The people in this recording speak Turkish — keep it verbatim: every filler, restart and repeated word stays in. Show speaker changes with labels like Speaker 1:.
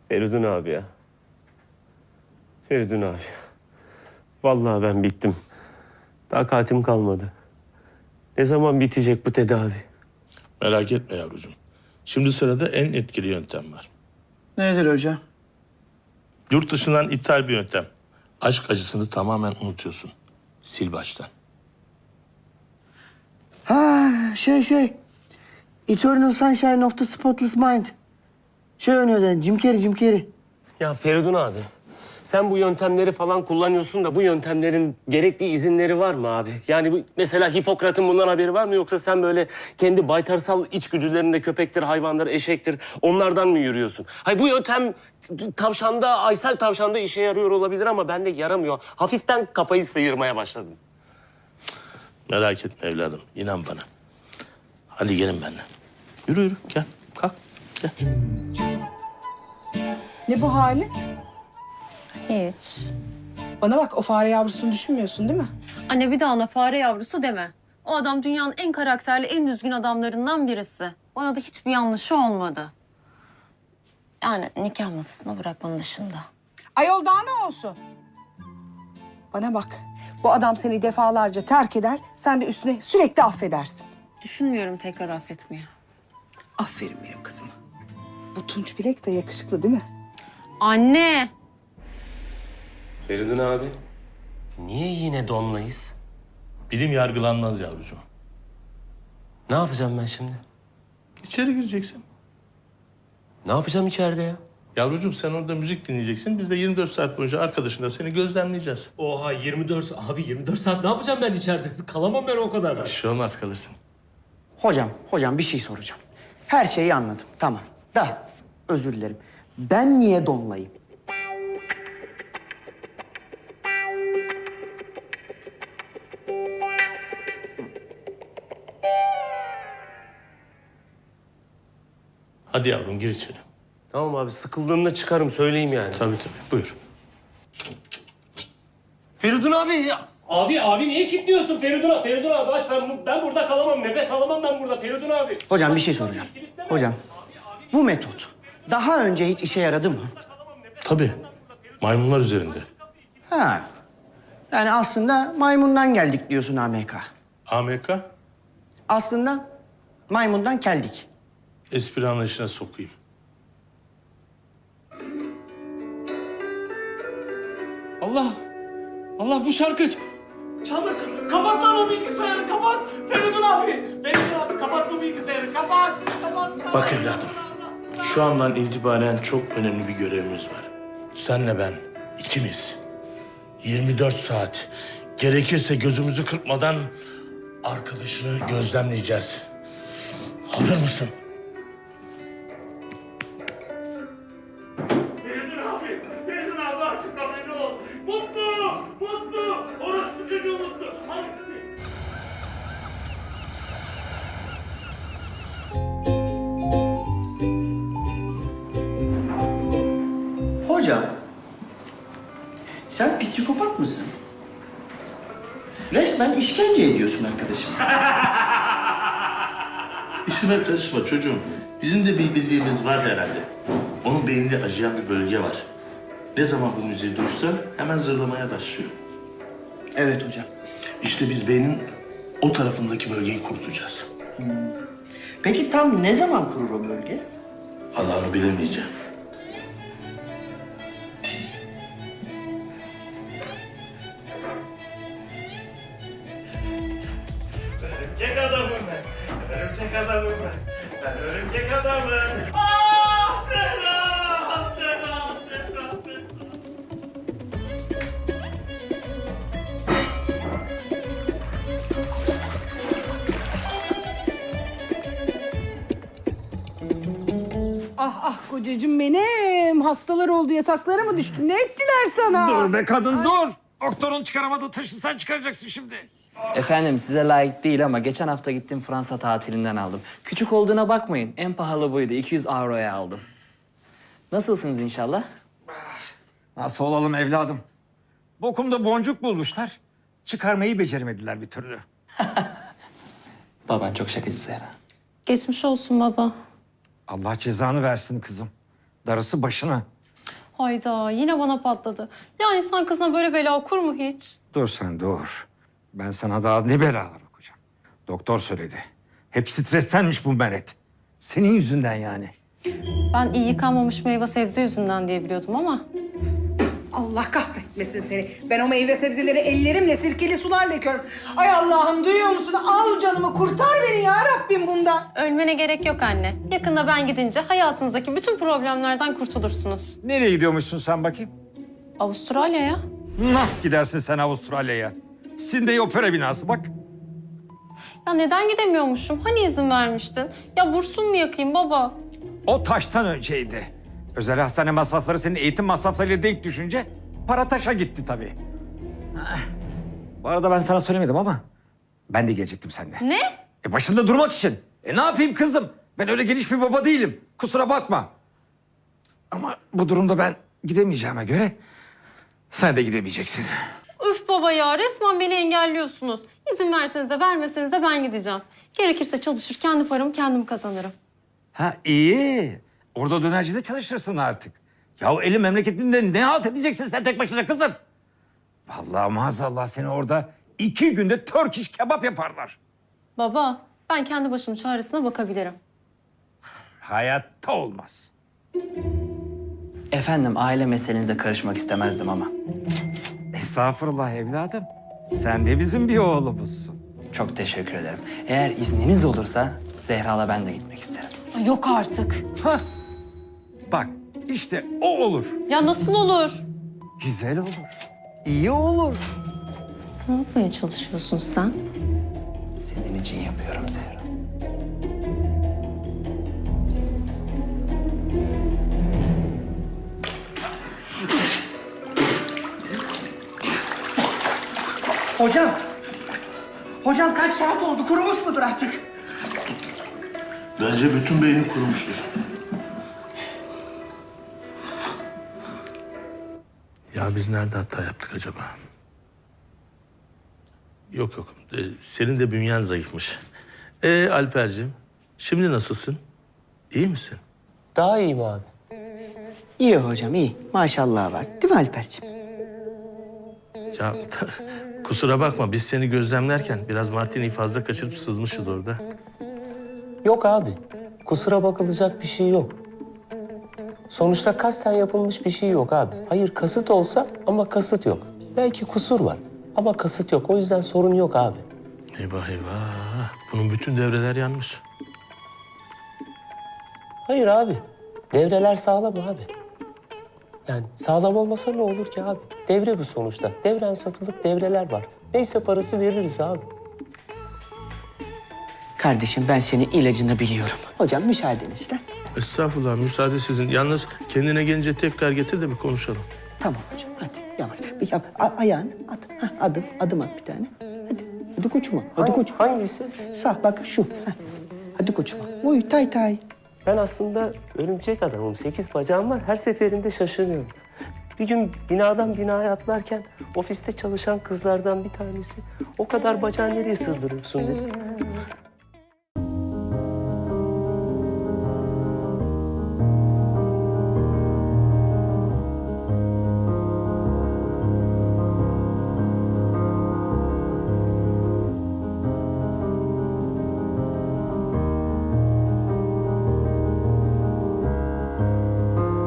Speaker 1: Feridun abi ya. Feridun abi. Vallahi ben bittim. Takatim kalmadı. Ne zaman bitecek bu tedavi?
Speaker 2: Merak etme yavrucuğum. Şimdi sırada en etkili yöntem var.
Speaker 3: Nedir hocam?
Speaker 2: Yurt dışından ithal bir yöntem. Aşk acısını tamamen unutuyorsun. Sil baştan.
Speaker 3: Ha şey şey. Eternal Sunshine of the Spotless Mind. Şey oynuyordu Jim Carrey, Jim Carrey.
Speaker 1: Ya Feridun abi, sen bu yöntemleri falan kullanıyorsun da bu yöntemlerin gerekli izinleri var mı abi? Yani bu, mesela Hipokrat'ın bundan haberi var mı yoksa sen böyle kendi baytarsal içgüdülerinde köpektir, hayvandır, eşektir onlardan mı yürüyorsun? Hayır bu yöntem tavşanda, Aysel tavşanda işe yarıyor olabilir ama bende yaramıyor. Hafiften kafayı sıyırmaya başladım.
Speaker 2: Merak etme evladım. İnan bana. Hadi gelin benimle. Yürü yürü. Gel. Kalk. Gel.
Speaker 4: Ne bu hali?
Speaker 5: Hiç.
Speaker 4: Bana bak, o fare yavrusunu düşünmüyorsun değil mi?
Speaker 5: Anne bir daha ona fare yavrusu deme. O adam dünyanın en karakterli, en düzgün adamlarından birisi. Bana da hiçbir yanlışı olmadı. Yani nikah masasına bırakmanın dışında.
Speaker 4: Ayol daha ne olsun? Bana bak, bu adam seni defalarca terk eder, sen de üstüne sürekli affedersin.
Speaker 5: Düşünmüyorum tekrar affetmeye.
Speaker 4: Aferin benim kızıma. Bu Tunç Bilek de yakışıklı değil mi?
Speaker 5: Anne!
Speaker 1: Feridun abi, niye yine donlayız?
Speaker 2: Bilim yargılanmaz yavrucuğum.
Speaker 1: Ne yapacağım ben şimdi?
Speaker 2: İçeri gireceksin.
Speaker 1: Ne yapacağım içeride ya?
Speaker 2: Yavrucuğum sen orada müzik dinleyeceksin. Biz de yirmi dört saat boyunca arkadaşınla seni gözlemleyeceğiz.
Speaker 6: Oha yirmi dört saat. Abi yirmi dört saat ne yapacağım ben içeride? Kalamam ben o kadar.
Speaker 2: Bir şey olmaz kalırsın.
Speaker 3: Hocam, hocam bir şey soracağım. Her şeyi anladım, tamam. Da, özür dilerim. Ben niye donlayayım?
Speaker 2: Hadi yavrum gir içeri.
Speaker 1: Tamam abi, sıkıldığımda çıkarım, söyleyeyim yani.
Speaker 2: Tabii tabii. Buyur.
Speaker 1: Feridun abi ya. Abi, abi niye kilitliyorsun Feridun abi? Feridun abi aç, ben, ben burada kalamam, nefes alamam ben burada Feridun abi.
Speaker 3: Hocam bir şey soracağım. Hocam, bu metot daha önce hiç işe yaradı mı?
Speaker 2: Tabii. Maymunlar üzerinde.
Speaker 3: Ha. Yani aslında maymundan geldik diyorsun A M K.
Speaker 2: A M K
Speaker 3: Aslında maymundan keldik.
Speaker 2: espri anlayışına sokayım.
Speaker 6: Allah! Allah bu şarkı!
Speaker 1: Çabuk kapat lan o bilgisayarı, kapat. Feridun abi, Feridun abi kapat bu bilgisayarı, kapat. Kapat, kapat.
Speaker 2: Bak evladım. Şu andan itibaren çok önemli bir görevimiz var. Senle ben ikimiz yirmi dört saat gerekirse gözümüzü kırpmadan arkadaşını gözlemleyeceğiz. Hazır mısın?
Speaker 1: Feridun abi, Feridun abi açıklama ne ol. Mutlu, mutlu, orospu çocuğu mutlu. Hadi.
Speaker 3: Hocam, sen psikopat mısın? Resmen işkence ediyorsun arkadaşım.
Speaker 2: İşime karışma çocuğum. Bizim de bir bildiğimiz var herhalde. Onun beyninde acıyan bir bölge var. Ne zaman bu müziği duysa hemen zırlamaya başlıyor.
Speaker 3: Evet hocam.
Speaker 2: İşte biz beynin o tarafındaki bölgeyi kurtulacağız.
Speaker 3: Peki tam ne zaman kurur o bölge?
Speaker 2: Allah'ını bilemeyeceğim.
Speaker 1: Örümcek adamım ben, örümcek adamım ben. Ben örümcek adamım. Aa, Serra, Serra, Serra, Serra.
Speaker 4: Ah ah kocacığım benim. Hastalar oldu, yataklara mı düştü? Ne ettiler sana?
Speaker 6: Dur be kadın dur! Doktorun çıkaramadığı taşı sen çıkaracaksın şimdi.
Speaker 7: Efendim size layık değil ama geçen hafta gittim Fransa tatilinden aldım. Küçük olduğuna bakmayın. En pahalı buydu. iki yüz avroya aldım. Nasılsınız inşallah?
Speaker 6: Nasıl olalım evladım? Bokumda boncuk bulmuşlar. Çıkarmayı beceremediler bir türlü.
Speaker 7: Baban çok şakacı Zehra.
Speaker 5: Geçmiş olsun baba.
Speaker 6: Allah cezanı versin kızım. Darısı başına.
Speaker 5: Hayda yine bana patladı. Ya insan kızına böyle bela okur mu hiç?
Speaker 6: Dur sen dur. Ben sana daha ne belalar okuyacağım. Doktor söyledi. Hep strestenmiş bu Meret. Senin yüzünden yani.
Speaker 5: Ben iyi yıkanmamış meyve sebze yüzünden diye biliyordum ama...
Speaker 4: Allah kahretmesin seni. Ben o meyve sebzeleri ellerimle sirkeli sularla yıkıyorum. Ay Allah'ım duyuyor musun? Al canımı kurtar beni ya Rabbim bundan.
Speaker 5: Ölmene gerek yok anne. Yakında ben gidince hayatınızdaki bütün problemlerden kurtulursunuz.
Speaker 6: Nereye gidiyormuşsun sen bakayım?
Speaker 5: Avustralya'ya.
Speaker 6: Nah gidersin sen Avustralya'ya. Sydney Opera binası bak.
Speaker 5: Ya neden gidemiyormuşum? Hani izin vermiştin? Ya bursun mu yakayım baba?
Speaker 6: O taştan önceydi. Özel hastane masrafları senin eğitim masraflarıyla denk düşünce para taşa gitti tabii. Ah. Bu arada ben sana söylemedim ama ben de gelecektim seninle.
Speaker 5: Ne?
Speaker 6: E başında durmak için. E ne yapayım kızım? Ben öyle geniş bir baba değilim. Kusura bakma. Ama bu durumda ben gidemeyeceğime göre sen de gidemeyeceksin.
Speaker 5: Üf baba ya resmen beni engelliyorsunuz. İzin verseniz de vermeseniz de ben gideceğim. Gerekirse çalışır kendi paramı kendim kazanırım.
Speaker 6: Ha iyi. Orada dönercide çalışırsın artık. Ya eli memleketinde ne halt edeceksin sen tek başına kızım? Vallahi maazallah seni orada iki günde Turkish kebap yaparlar.
Speaker 5: Baba ben kendi başımın çaresine bakabilirim.
Speaker 6: Hayatta olmaz.
Speaker 7: Efendim aile meselenize karışmak istemezdim ama.
Speaker 6: Estağfurullah evladım. Sen de bizim bir oğlumuzsun.
Speaker 7: Çok teşekkür ederim. Eğer izniniz olursa Zehra'la ben de gitmek isterim.
Speaker 5: Ay, yok artık.
Speaker 6: Hah. Bak işte o olur.
Speaker 5: Ya nasıl olur?
Speaker 6: Güzel olur. İyi olur.
Speaker 5: Ne yapmaya çalışıyorsun sen?
Speaker 7: Senin için yapıyorum Zehra.
Speaker 3: Hocam. Hocam kaç saat oldu? Kurumuş mudur artık?
Speaker 2: Bence bütün beyni kurumuştur. Ya biz nerede hata yaptık acaba? Yok yok. Ee, senin de bünyen zayıfmış. Ee Alperciğim, şimdi nasılsın? İyi misin?
Speaker 1: Daha iyiyim abi.
Speaker 3: İyi hocam iyi. Maşallah var. Değil mi Alperciğim?
Speaker 2: Ya kusura bakma biz seni gözlemlerken biraz martini fazla kaçırıp sızmışız orada.
Speaker 1: Yok abi. Kusura bakılacak bir şey yok. Sonuçta kasten yapılmış bir şey yok abi. Hayır kasıt olsa ama kasıt yok. Belki kusur var ama kasıt yok. O yüzden sorun yok abi.
Speaker 2: Eyvah eyvah. Bunun bütün devreler yanmış.
Speaker 1: Hayır abi. Devreler sağlam abi. Yani sağlam olmasa ne olur ki abi? Devre bu sonuçta. Devren satılıp devreler var. Neyse parası veririz abi.
Speaker 3: Kardeşim ben senin ilacını biliyorum. Hocam müsaadenizle.
Speaker 2: Estağfurullah müsaade sizin. Yalnız kendine gelince tekrar getir de bir konuşalım.
Speaker 3: Tamam hocam hadi yavaş. Bir yap, a- ayağını at. Hah, adım, adım at bir tane. Hadi, hadi koçuma, hadi
Speaker 1: Hangi-
Speaker 3: koçum.
Speaker 1: Hangisi?
Speaker 3: Sağ bak şu. Hah. Hadi koçuma. Uy tay tay.
Speaker 1: Ben aslında örümcek adamım. Sekiz bacağım var. Her seferinde şaşırıyorum. Bir gün binadan binaya atlarken ofiste çalışan kızlardan bir tanesi o kadar bacağı nereye sığdırıyorsun dedi.